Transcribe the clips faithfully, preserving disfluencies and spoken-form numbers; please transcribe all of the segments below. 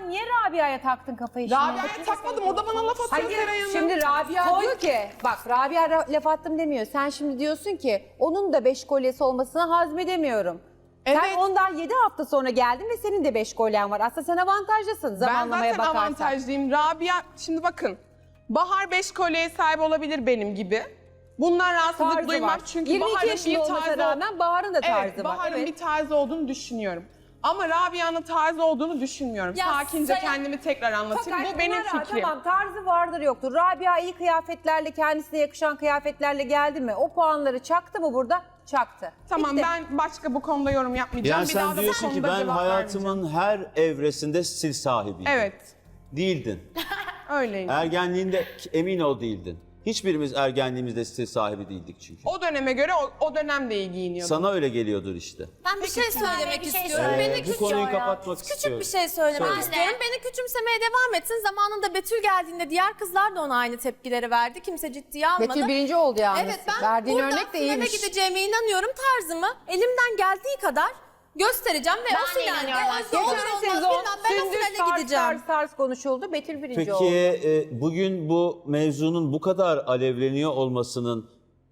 zaman niye Rabia'ya taktın kafayı şimdi? Rabia'ya takmadım, o da bana laf atıyor Hayır, Seray Hanım. şimdi Rabia diyor ki, bak Rabia laf attım demiyor. Sen şimdi diyorsun ki, onun da beş kolyesi olmasını hazmedemiyorum. Evet. Sen ondan yedi hafta sonra geldin ve senin de beş kolyen var. Aslında sen avantajlısın Ben zamanlamaya zaten bakarsan. avantajlıyım. Rabia, şimdi bakın. Bahar beş kolyeye sahip olabilir benim gibi. Bundan rahatsızlık Tarzı duymam var. çünkü yirmi iki Bahar'ın yaşında bir olmasına tarzı rağmen Bahar'ın da tarzı evet, var. Bahar'ın Evet. bir tarzı olduğunu düşünüyorum. Ama Rabia'nın tarzı olduğunu düşünmüyorum. Ya Sakince Seray- kendimi tekrar anlatayım. Fakat Bu benim Pınar'a, fikrim. Tamam, tarzı vardır yoktur. Rabia iyi kıyafetlerle, kendisine yakışan kıyafetlerle geldi mi? O puanları çaktı mı burada? Çaktı. Tamam, Bitti. ben başka bu konuda yorum yapmayacağım. Yani bir daha sen da bu diyorsun ki konuda ben cevap hayatımın her evresinde stil sahibiydim. vermeyeceğim. Evet, Değildin. öyleydi. Ergenliğinde emin ol değildin. Hiçbirimiz ergenliğimizde stil sahibi değildik çünkü. O döneme göre o, o dönem de iyi giyiniyordum. Sana öyle geliyordur işte. Ben bir şey söylemek bir şey istiyorum. söyle. Beni Ee, bu küçük, konuyu kapatmak küçük istiyorum. bir şey söylemek Söyle. istiyorum. Beni küçümsemeye devam etsin. Zamanında Betül geldiğinde diğer kızlar da ona aynı tepkileri verdi. Kimse ciddiye almadı. Betül birinci oldu yalnız. Evet, ben Verdiğin burada örnek de finale iyiymiş. gideceğime inanıyorum. Tarzımı elimden geldiği kadar göstereceğim ve Ben o de finalde inanıyorum Özde olur Geçen olmaz sezon bilmem ben o Sündüz finale tarz gideceğim. tarz tarz konuşuldu. Betül birinci Peki oldu. e, bugün bu mevzunun bu kadar alevleniyor olmasının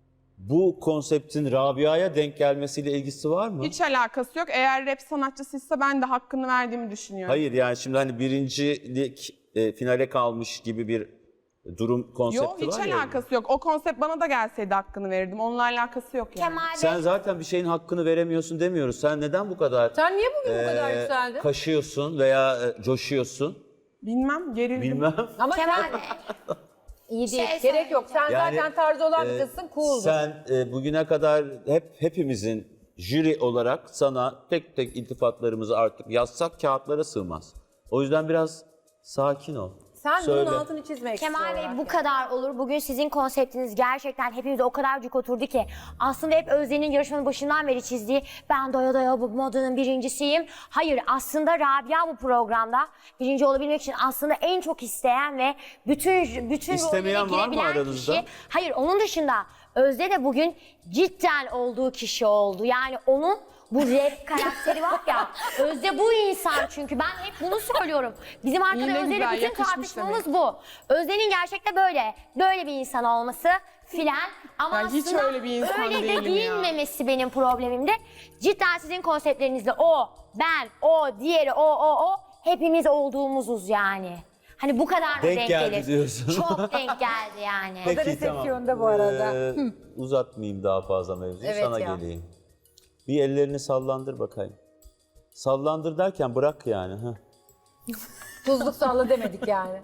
bu konseptin Rabia'ya denk gelmesiyle ilgisi var mı? Hiç alakası yok. Eğer rap sanatçısıysa ben de hakkını verdiğimi düşünüyorum. Hayır, yani şimdi hani birincilik e, finale kalmış gibi bir durum konsepti Yok, hiç var ya. alakası yok. O konsept bana da gelseydi hakkını verirdim. Onunla alakası yok yani. Kemal Bey. Sen zaten bir şeyin hakkını veremiyorsun demiyoruz. Sen neden bu kadar Sen niye bugün bu kadar e, yükseldin? kaşıyorsun veya e, coşuyorsun? Bilmem, gerildim. Bilmem. Ama Kemal sen Bey. iyi değil. şey Gerek yok. Sen Yani, zaten tarzı olan bir e, kızsın. Cool'dur. Sen e, bugüne kadar hep hepimizin jüri olarak sana tek tek iltifatlarımızı artık yazsak kağıtlara sığmaz. O yüzden biraz sakin ol. Sen Söyle. bunun altını çizmek Kemal istiyorum. Bey bu kadar olur. Bugün sizin konseptiniz gerçekten hepimize o kadar cuk oturdu ki. Aslında hep Özde'nin yarışmanın başından beri çizdiği ben doya doya bu modanın birincisiyim. Hayır, aslında Rabia bu programda birinci olabilmek için aslında en çok isteyen ve bütün bütün İstemeyen rollere var mı girebilen aranızda? kişi. Hayır, onun dışında Özde de bugün cidden olduğu kişi oldu. Yani onun bu rap karakteri var ya, Özde bu insan çünkü ben hep bunu söylüyorum. Bizim arkada İyi ne Özde'yle güzel, bütün yakışmış tartışmamız bu. Özde'nin gerçekte böyle, böyle bir insan olması filan. Ama Ya hiç aslında öyle bir insan öyle de değilim ya. giyinmemesi benim problemimdi. Cidden sizin konseptlerinizde o, ben, o, diğeri, o, o, o hepimiz olduğumuzuz yani. Hani bu kadar da Denk denk, geldi gelir. diyorsun. Çok denk geldi yani. Peki, resepsiyonda bu arada. Ee, uzatmayayım daha fazla mevzuyu, Evet sana ya. geleyim. Bir ellerini sallandır bakayım. Sallandır derken bırak yani. Heh. Tuzluk salla demedik yani.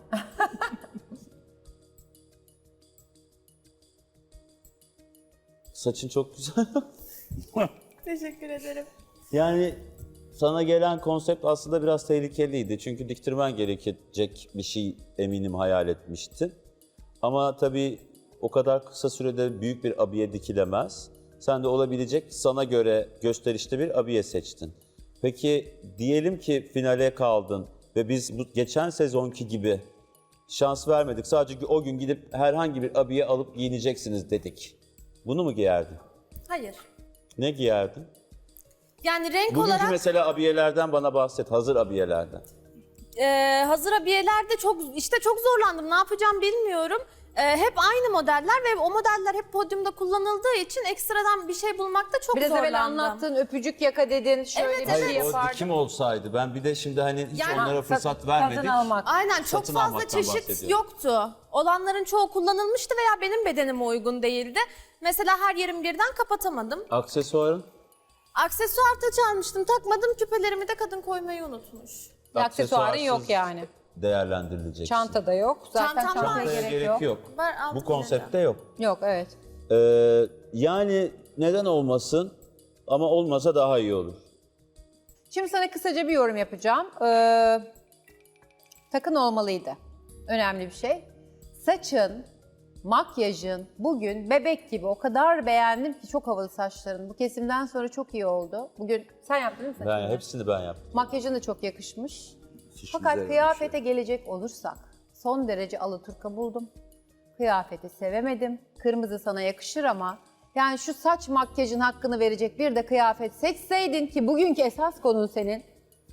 Saçın çok güzel. Teşekkür ederim. Yani sana gelen konsept aslında biraz tehlikeliydi. Çünkü diktirmen gerekecek bir şey eminim hayal etmiştin. Ama tabii o kadar kısa sürede büyük bir abiye dikilemez. Sen de olabilecek sana göre gösterişli bir abiye seçtin. Peki diyelim ki finale kaldın ve biz bu geçen sezonki gibi şans vermedik. Sadece o gün gidip herhangi bir abiye alıp giyineceksiniz dedik. Bunu mu giyerdin? Hayır. Ne giyerdin? Yani renk Bugünkü olarak mesela abiyelerden bana bahset, hazır abiyelerden. e, hazır abiyelerde çok işte çok zorlandım. Ne yapacağım bilmiyorum. E, hep aynı modeller ve o modeller hep podyumda kullanıldığı için ekstradan bir şey bulmakta çok Biraz zorlandım. evvel anlattın, öpücük yaka dedin, şöyle Evet, bir evet. şey Hayır, o yapardın. dikim olsaydı. Ben bir de şimdi hani hiç Yani- onlara Ha, fırsat satın- vermedik. satın almak. Aynen, çok Satın fazla almaktan çeşit bahsediyorum. yoktu. Olanların çoğu kullanılmıştı veya benim bedenime uygun değildi. Mesela her yerim birden kapatamadım. Aksesuarın? Aksesuar taç almıştım, takmadım. Küpelerimi de kadın koymayı unutmuş. Aksesuarın yok Aksesuarsız yani. Değerlendirilecek. Çanta da yok. Zaten Çantam çantaya var. gerek, gerek yok. yok. Var, altı Bu konseptte yok. Yok, evet. Ee, yani neden olmasın ama olmasa daha iyi olur. Şimdi sana kısaca bir yorum yapacağım. Ee, takın olmalıydı. Önemli bir şey. Saçın, makyajın bugün bebek gibi, o kadar beğendim ki, çok havalı saçların. Bu kesimden sonra çok iyi oldu. Bugün sen yaptın mı saçını? Ben hepsini ben yaptım. Makyajın da çok yakışmış. Fiş Fakat üzerine kıyafete gelecek olursak son derece alaturka buldum. Kıyafeti sevemedim. Kırmızı sana yakışır ama yani şu saç makyajın hakkını verecek bir de kıyafet seçseydin, ki bugünkü esas konun senin.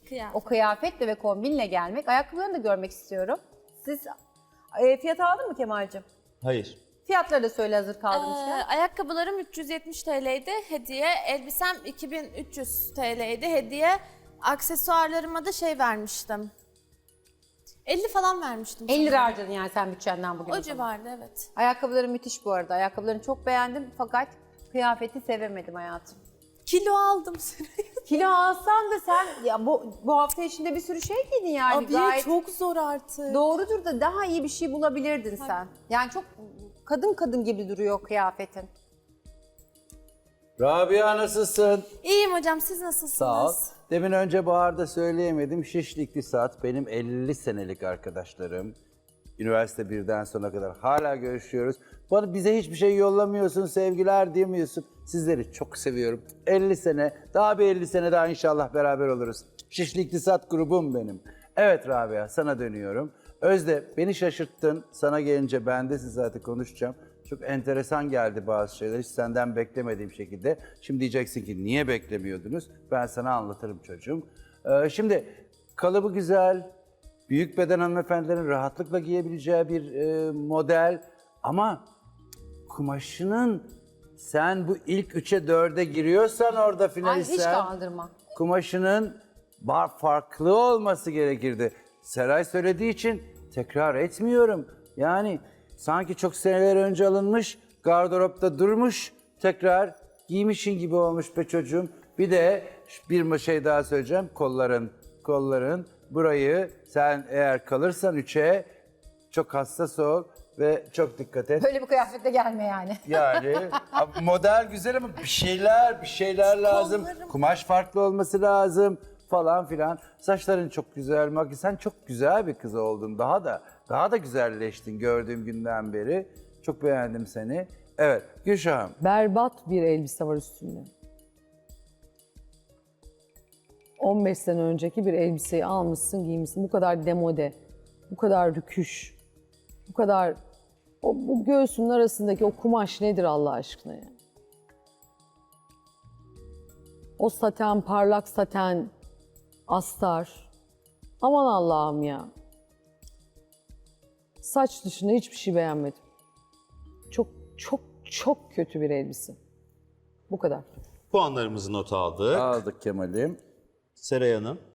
Kıyafet. O kıyafetle ve kombinle gelmek. Ayakkabılarını da görmek istiyorum. Siz e, fiyat aldın mı Kemal'cim? Hayır. Fiyatları da söyle hazır Ee, kaldığımızken. ayakkabılarım üç yüz yetmiş T L'ydi hediye. Elbisem iki bin üç yüz T L'ydi hediye. Aksesuarlarıma da şey vermiştim. elli falan vermiştim. elli lira sanırım. harcadın yani sen bütçenden bugün. O civarda evet. Ayakkabıların müthiş bu arada. Ayakkabılarını çok beğendim fakat kıyafeti sevemedim hayatım. Kilo aldım Süreyya. Kilo alsan da sen ya bu bu hafta içinde bir sürü şey giydin yani Abiye gayet çok zor artık. doğrudur da daha iyi bir şey bulabilirdin sen. Yani çok kadın kadın gibi duruyor kıyafetin. Rabia nasılsın? İyiyim hocam, siz nasılsınız? Sağ ol. Demin önce Bahar'da söyleyemedim. Şişli İktisat benim elli senelik arkadaşlarım. Üniversite birden sona kadar hala görüşüyoruz. Bana bize hiçbir şey yollamıyorsun, sevgiler diyemiyorsun. Sizleri çok seviyorum. elli sene, daha bir elli sene daha inşallah beraber oluruz. Şişli İktisat grubum benim. Evet Rabia, sana dönüyorum. Özde, beni şaşırttın. Sana gelince ben de siz zaten konuşacağım. Çok enteresan geldi bazı şeyler. Hiç senden beklemediğim şekilde. Şimdi diyeceksin ki niye beklemiyordunuz? Ben sana anlatırım çocuğum. Ee, şimdi kalıbı güzel, büyük beden hanımefendilerin rahatlıkla giyebileceği bir e, model. Ama kumaşının sen bu ilk üçe dörde giriyorsan orada Ay hiç finalistsen kaldırma. kumaşının bar farklı olması gerekirdi. Seray söylediği için tekrar etmiyorum. Yani sanki çok seneler önce alınmış, gardıropta durmuş, tekrar giymişin gibi olmuş be çocuğum. Bir de bir şey daha söyleyeceğim. Kolların, kolların. Burayı sen eğer kalırsan üçe çok hassas ol ve çok dikkat et. Böyle bir kıyafetle gelme yani. Yani model güzel ama bir şeyler, bir şeyler lazım. Kollarım. Kumaş farklı olması lazım falan filan. Saçların çok güzel, makyaj. Sen çok güzel bir kız oldun. Daha da daha da güzelleştin gördüğüm günden beri. Çok beğendim seni. Evet, Gülşah'ım. Berbat bir elbise var üstünde. on beş sene önceki bir elbiseyi almışsın, giymişsin. Bu kadar demode, bu kadar rüküş, bu kadar... O, bu göğsünün arasındaki o kumaş nedir Allah aşkına ya? O saten, parlak saten, astar. Aman Allah'ım ya. Saç dışında hiçbir şey beğenmedim. Çok çok çok kötü bir elbise. Bu kadar. Puanlarımızı not aldık. Aldık Kemal'im. Seray Hanım.